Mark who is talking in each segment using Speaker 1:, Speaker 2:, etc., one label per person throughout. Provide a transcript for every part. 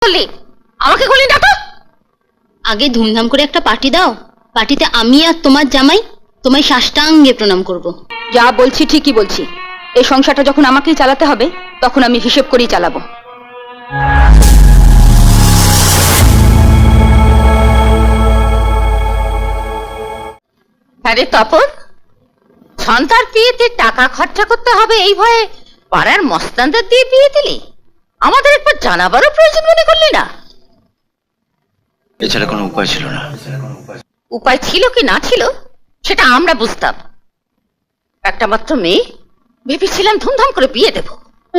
Speaker 1: করলি আমাকে গুলি ডাকো। আগে ধুমধাম করে একটা পার্টি দাও, পার্টিতে আমি আর তোমার জামাই তোমায় সাষ্টাঙ্গে প্রণাম করব।
Speaker 2: যা বলছি ঠিকই বলছি, এই সংসারটা যখন আমাকেই চালাতে হবে তখন আমি হিসেব করেই চালাবো।
Speaker 1: আরে তপন, সন্তার বিয়েতে টাকা খরচা করতে হবে এই ভয়ে পাড়ার মস্তানদের দিয়ে বিয়ে দিলি? আমাদের একবার জানাবারও প্রয়োজন মনে করলি না?
Speaker 3: এছাড়া কোনো উপায় ছিল না।
Speaker 1: উপায় ছিল কি না ছিল সেটা আমরা বুঝতাম। একটা মাত্র মেয়ে, ভেবেছিলাম ধুমধাম করে বিয়ে দেব।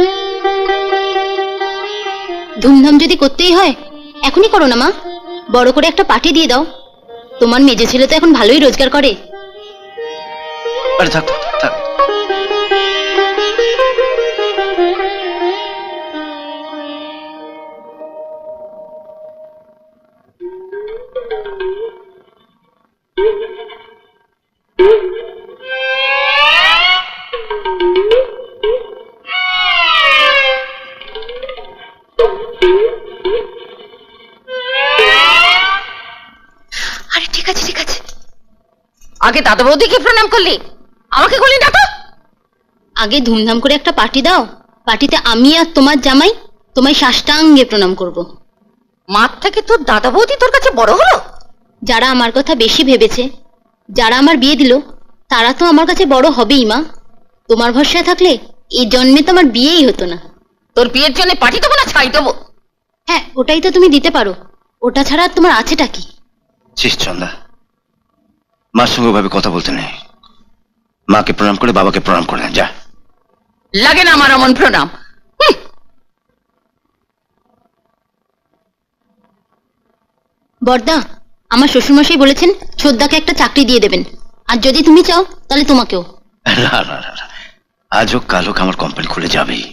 Speaker 1: ধুমধাম যদি করতেই হয় এখনই করো না মা, বড় করে একটা পার্টি দিয়ে দাও। তোমার মেজে ছেলে তো এখন ভালোই রোজগার করে।
Speaker 3: আরে থাক থাক থাক।
Speaker 1: আরে ঠিক আছে ঠিক আছে, আগে দাদা বৌদিকে প্রণাম করলি আমাকে গুলি ডাকো। আগে ধুমধাম করে একটা পার্টি দাও, পার্টিতে আমি আর তোমার জামাই তোমায় সাষ্টাঙ্গে প্রণাম করব। মাঠ থেকে তোর দাদা বৌদি তোর কাছে বড় হলো? যারা আমার কথা বেশি ভেবেছে, যারা আমার বিয়ে দিল, তারা তো আমার কাছে বড় হবেই মা। তোমার ভরসায় থাকলে এই জন্মে তো আমার বিয়েই হতো না। তোর বিয়ের জন্য পার্টি দেবো না ছাই দেবো? হ্যাঁ, ওটাই তো তুমি দিতে পারো, ওটা ছাড়া আর তোমার আছেটা কি?
Speaker 3: শেষ চন্দা, মার সঙ্গে ওভাবে কথা বলতে নেই। মাকে প্রণাম করে বাবাকে প্রণাম করে যা।
Speaker 1: লাগে না আমার অমন প্রণাম। বর্দা, আমার শ্বশুরমশাই বলেছেন ছোদ্দাকে একটা চাকরি দিয়ে দেবেন, আর যদি তুমি চাও তাহলে তোমাকেও।
Speaker 3: না না না না, আজ হোক কাল হোক আমার কোম্পানি খুলে যাবেই।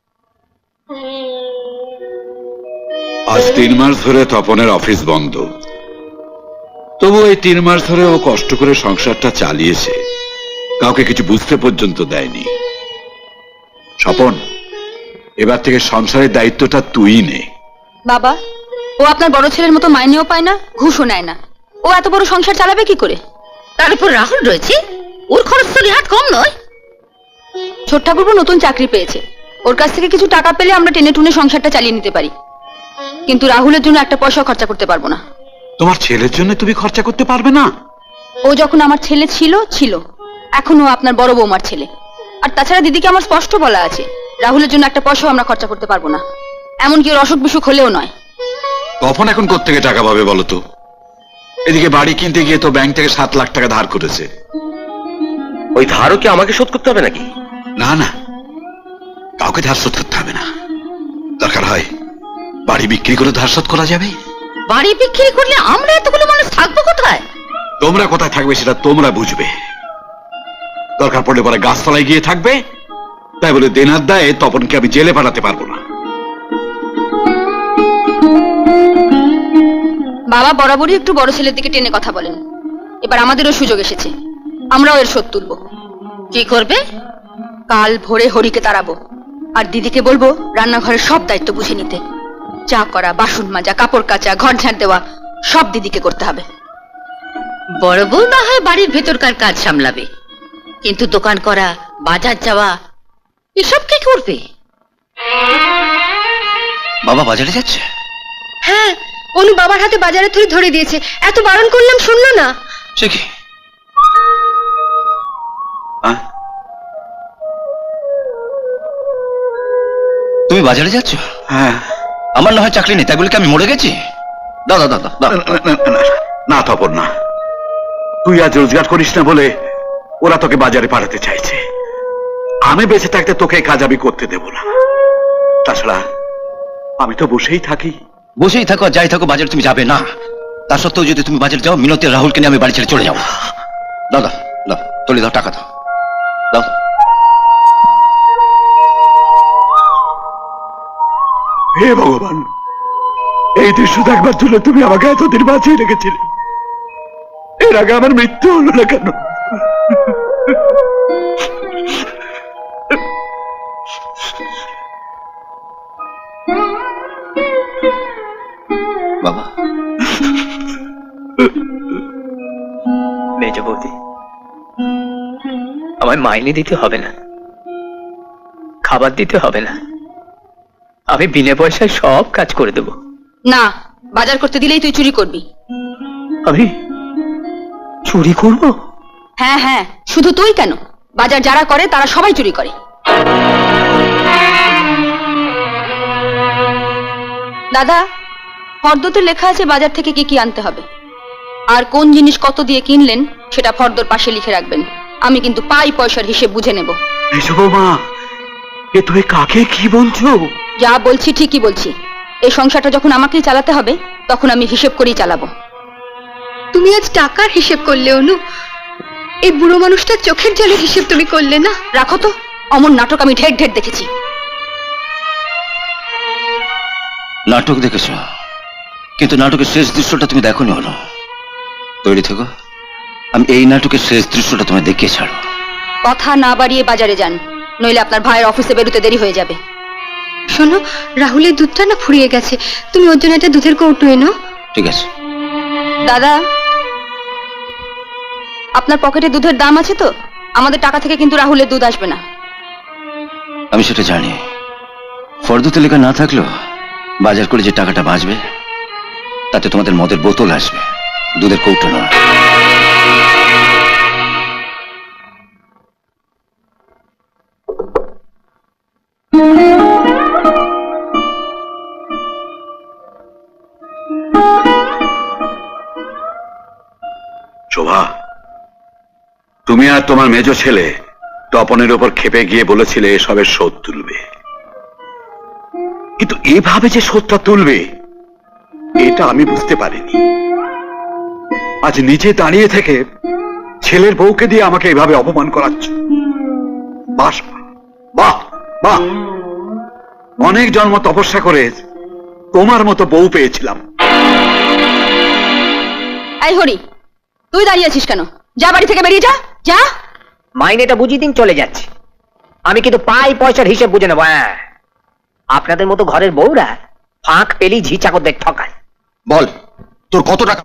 Speaker 4: আজ 3 মাস ধরে তপনের অফিস বন্ধ, তবু এই 3 মাস ধরে ও কষ্ট করে সংসারটা চালিয়েছে, কাউকে কিছু বুঝতে পর্যন্ত দেয়নি। স্বপন, এবার থেকে সংসারের দায়িত্বটা তুই নে।
Speaker 2: বাবা, ও আপনার বড় ছেলের মতো মাইনেও পায় না, ঘুষও নেয় না, ও এত বড় সংসার চালাবে কি করে?
Speaker 1: তার উপর রাহুল রয়েছে, ওর খরচ তো নেহাত কম নয়।
Speaker 2: ছোট ঠাকুরপো নতুন চাকরি পেয়েছে, ওর কাছ থেকে কিছু টাকা পেলে আমরা টেনে টুনে সংসারটা চালিয়ে নিতে পারি, কিন্তু রাহুলের জন্য একটা পয়সা খরচা করতে পারবো না।
Speaker 4: তোমার ছেলের জন্য তুমি খরচা করতে পারবে না?
Speaker 2: ও যখন আমার ছেলে ছিল ছিল, এখন ও আপনার বড় বৌমার ছেলে। আর তাছাড়া দিদিকে আমার স্পষ্ট বলা আছে, রাহুলের জন্য একটা পয়সাও আমরা খরচা করতে পারবো না, এমনকি ওর অসুখ বিসুখ হলেও নয়।
Speaker 4: তপন এখন কোত্থেকে টাকা পাবে বলো তো? এদিকে বাড়ি কিনতে গিয়ে তো ব্যাংক থেকে 7 লাখ টাকা ধার করেছে।
Speaker 3: ওই ধারও কি আমাকে শোধ করতে হবে নাকি?
Speaker 4: না না, কাউকে ধার শোধ করতে হবে না, দরকার হয় বাড়ি বিক্রি করে ধার শোধ করা যাবে।
Speaker 1: বাড়ি বিক্রি করলে আমরা এতগুলো মানুষ থাকবো কোথায়?
Speaker 4: তোমরা কোথায় থাকবে সেটা তোমরা বুঝবে, দরকার পড়লে পরে গাছতলায় গিয়ে থাকবে। তাই বলে দেনার দায়ে তপনকে আমি জেলে পাঠাতে পারবো না।
Speaker 2: বাবা বরাবরই একটু বড় ছেলের দিকে টেনে কথা বলেন, এবার আমাদেরও সুযোগ এসেছে, আমরাও এর শোধ তুলবো।
Speaker 1: কি করবে?
Speaker 2: কাল ভোরে হরিকে তাড়াবো, আর দিদিকে বলবো রান্নাঘরের সব দায়িত্ব বুঝে নিতে। চা করা, বাসন মাজা, কাপড় কাচা, ঘর ঝাড় দেওয়া সব দিদিকে করতে হবে।
Speaker 1: বড় বউ না হয় বাড়ির ভেতরকার কাজ সামলাবে, কিন্তু দোকান করা, বাজার যাওয়া এসব কে করবে?
Speaker 3: বাবা বাজারে যাচ্ছে?
Speaker 2: হ্যাঁ, অনু বাবার হাতে বাজারে থলি ধরে দিয়েছে, এত বারণ করলাম শুনলো না।
Speaker 3: সে কি? তুমি বাজারে যাচ্ছ?
Speaker 4: হ্যাঁ।
Speaker 3: আমার না হয় চাকরি নেই তাই বলে কি আমি মরে গেছি? দাও দাও দাও দাও।
Speaker 4: না তপন না, তুই আজ রোজগার করিস না বলে ওরা তোকে বাজারে পাঠাতে চাইছে। আমি বেঁচে থাকতে তোকে এই কাজ আমি করতে দেব না। তাছাড়া আমি তো বসেই থাকি।
Speaker 3: বসেই থাকো যাই থাকো, বাজারে তুমি যাবে না। তা সত্ত্বেও যদি তুমি বাজারে যাও, মিনতি আর রাহুলকে নিয়ে আমি বাড়ি ছেড়ে চলে যাবো। দাও দাও দাও, তুলে দাও, টাকা দাও দাও।
Speaker 4: হে ভগবান, এই দৃশ্য দেখবার জন্য তুমি আমাকে এতদিন বাঁচিয়ে রেখেছিলে, এর আগে আমার মৃত্যু হলো না কেন?
Speaker 3: বাবা,
Speaker 5: মেজ বৌদি, আমায় মাইনে দিতে হবে না, খাবার দিতে হবে না, আমি বিনা পয়সায় সব কাজ করে দেব।
Speaker 2: না, বাজার করতে দিলেই তুই চুরি করবি।
Speaker 5: আমি চুরি করব?
Speaker 2: হ্যাঁ হ্যাঁ, শুধু তুই কেন, বাজার যারা করে তারা সবাই চুরি করে। দাদা, ফর্দতে লেখা আছে বাজার থেকে কি কি আনতে হবে, আর কোন জিনিস কত দিয়ে কিনলেন সেটা ফর্দর পাশে লিখে রাখবেন। আমি কিন্তু পাই পয়সার হিসেব বুঝে নেব।
Speaker 5: মেজ বৌমা, এ তুমি কাকে কি বলছো?
Speaker 2: যা বলছি ঠিকই বলছি। এই সংসারটা যখন আমাকেই চালাতে হবে তখন আমি হিসেব করেই চালাবো।
Speaker 1: তুমি আজ টাকার হিসেব করলে অনু, এই বুড়ো মানুষটার চোখের জলের হিসেব তুমি করলে না।
Speaker 2: রাখো তো, অমন নাটক আমি ঢের ঢের দেখেছি।
Speaker 3: নাটক দেখেছ, কিন্তু নাটকের শেষ দৃশ্যটা তুমি দেখোনি হলো। তৈরি থেকো, আমি এই নাটকের শেষ দৃশ্যটা তোমায় দেখিয়ে ছাড়ো।
Speaker 2: কথা না বাড়িয়ে বাজারে যান, নইলে আপনার ভাইয়ের অফিসে বেরোতে দেরি হয়ে যাবে।
Speaker 1: শোনো, রাহুলের দুধটা না ফুরিয়ে গেছে, তুমি ওর জন্য একটা দুধের কৌটো এনো।
Speaker 3: ঠিক আছে।
Speaker 2: দাদা, আপনার পকেটে দুধের দাম আছে তো? আমাদের টাকা থেকে কিন্তু রাহুলের দুধ আসবে না।
Speaker 3: আমি সেটা জানি, ফর্দতে লেখা না থাকলেও বাজার করে যে টাকাটা বাঁচবে তাতে তোমাদের মদের বোতল আসবে, দুধের কৌটো নয়।
Speaker 4: শোভা, তুমি আর তোমার মেজ ছেলে তপনের ওপর খেপে গিয়ে বলেছিলে এসবের শোধ তুলবে, কিন্তু এভাবে যে শোধটা তুলবে এটা আমি বুঝতে পারিনি। আজ নিচে দাঁড়িয়ে থেকে ছেলের বউকে দিয়ে আমাকে এভাবে অপমান করাচ্ছ। বাহ বাহ বাহ, অনেক জন্ম তপস্যা করে তোমার মতো বউ পেয়েছিলাম।
Speaker 2: এই হরি, তুই দাঁড়িয়ে আছিস কেন? যা, বাড়ি থেকে বেরিয়ে যা, যা।
Speaker 5: মাইনেটা বুঝিয়ে দিন, চলে যাচ্ছে। আমি কিন্তু পাই পয়সার হিসেব বুঝে নেবো। হ্যাঁ, আপনাদের মতো ঘরের বউরা ফাঁক পেলি ঝি চাকরদের ঠকায়।
Speaker 3: বল, তোর কত টাকা